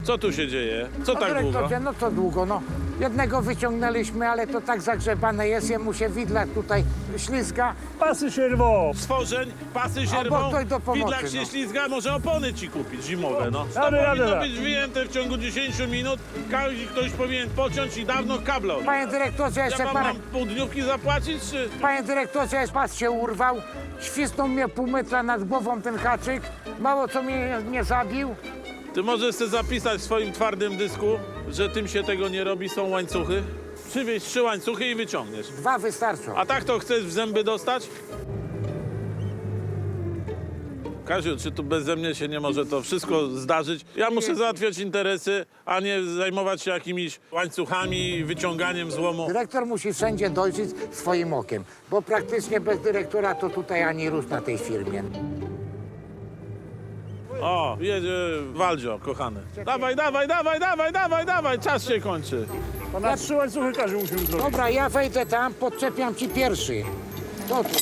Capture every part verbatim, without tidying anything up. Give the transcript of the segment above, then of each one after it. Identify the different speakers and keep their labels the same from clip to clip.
Speaker 1: Co tu się dzieje? Co
Speaker 2: No,
Speaker 1: tak długo?
Speaker 2: dyrektorze, no co długo, no. Jednego wyciągnęliśmy, ale to tak zagrzebane jest, jemu się widlak tutaj ślizga.
Speaker 3: Pasy się rwą.
Speaker 1: Stworzeń, pasy się
Speaker 2: A, bo
Speaker 1: rwą,
Speaker 2: ktoś do pomocy,
Speaker 1: widlak się
Speaker 2: no.
Speaker 1: ślizga, może opony ci kupić zimowe, no. To
Speaker 3: Rady, rady,
Speaker 1: powinno
Speaker 3: rady.
Speaker 1: być wyjęte w ciągu dziesięciu minut, każdy ktoś powinien pociąć i dawno kabla odjąć.
Speaker 2: Panie dyrektorze,
Speaker 1: Ja
Speaker 2: jeszcze
Speaker 1: wam
Speaker 2: parę...
Speaker 1: mam pół dniówki zapłacić, czy...
Speaker 2: Panie dyrektorze, pas się urwał, świsnął mnie pół metra nad głową ten haczyk, mało co mnie nie zabił.
Speaker 1: Ty możesz sobie zapisać w swoim twardym dysku, że tym się tego nie robi, są łańcuchy. Przywieź trzy łańcuchy i wyciągniesz.
Speaker 2: Dwa wystarczą.
Speaker 1: A tak to chcesz w zęby dostać? Kaziu, czy tu beze mnie się nie może to wszystko zdarzyć? Ja muszę załatwiać interesy, a nie zajmować się jakimiś łańcuchami, wyciąganiem złomu.
Speaker 2: Dyrektor musi wszędzie dojrzeć swoim okiem, bo praktycznie bez dyrektora to tutaj ani rusz na tej firmie.
Speaker 1: O, jedzie Waldzio, kochany. Dawaj, dawaj, dawaj, dawaj, dawaj, dawaj, czas się kończy.
Speaker 3: To na trzy łańcuchy każdy musimy zrobić.
Speaker 2: Dobra, ja wejdę tam, podczepiam ci pierwszy. To tu.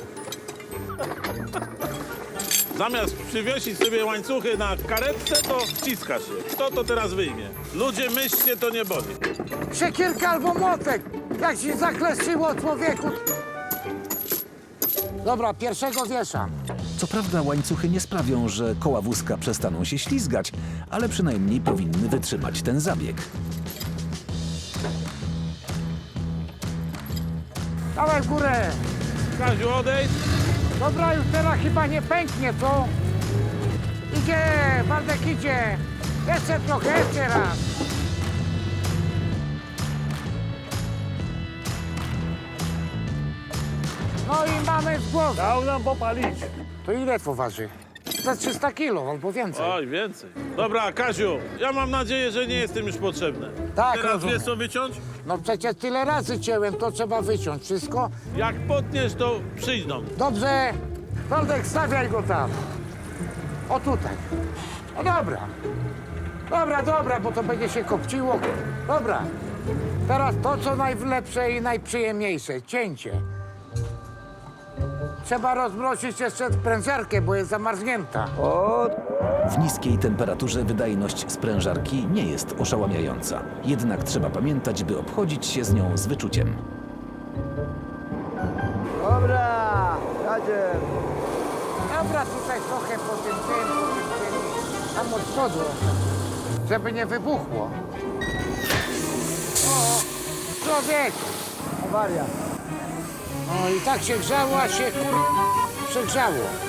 Speaker 1: Zamiast przywiesić sobie łańcuchy na karetce, to wciska się. Kto to teraz wyjmie? Ludzie, myślcie, to nie boli.
Speaker 2: Siekierka albo młotek, jak się zakleszczyło człowieku. Dobra, pierwszego wieszam.
Speaker 4: Co prawda łańcuchy nie sprawią, że koła wózka przestaną się ślizgać, ale przynajmniej powinny wytrzymać ten zabieg.
Speaker 2: Dawaj w górę.
Speaker 1: Kaziu, odejdź.
Speaker 2: Dobra, już teraz chyba nie pęknie, co? Idzie, Waldek idzie. Jeszcze trochę, jeszcze raz. No i mamy z głowy.
Speaker 3: Dał nam popalić.
Speaker 2: To ile to waży? Za trzysta kilo albo więcej.
Speaker 1: Oj, więcej. Dobra, Kaziu, ja mam nadzieję, że nie jestem już potrzebny.
Speaker 2: Tak,
Speaker 1: Teraz
Speaker 2: rozumiem.
Speaker 1: wiesz co wyciąć?
Speaker 2: No przecież tyle razy cięłem, to trzeba wyciąć wszystko.
Speaker 1: Jak potniesz, to przyjdą.
Speaker 2: Dobrze, Waldek, stawiaj go tam. O tutaj. No dobra. Dobra, dobra, bo to będzie się kopciło. Dobra. Teraz to, co najlepsze i najprzyjemniejsze. Cięcie. Trzeba rozmrozić jeszcze prędzarkę, bo jest zamarznięta.
Speaker 4: W niskiej temperaturze wydajność sprężarki nie jest oszałamiająca. Jednak trzeba pamiętać, by obchodzić się z nią z wyczuciem.
Speaker 5: Dobra, jadzie.
Speaker 2: Dobra, tutaj trochę po tym tym, po tym tym, tam od przodu, żeby nie wybuchło. O, człowieku.
Speaker 5: Awaria.
Speaker 2: No i tak się grzało, a się kur... przegrzało.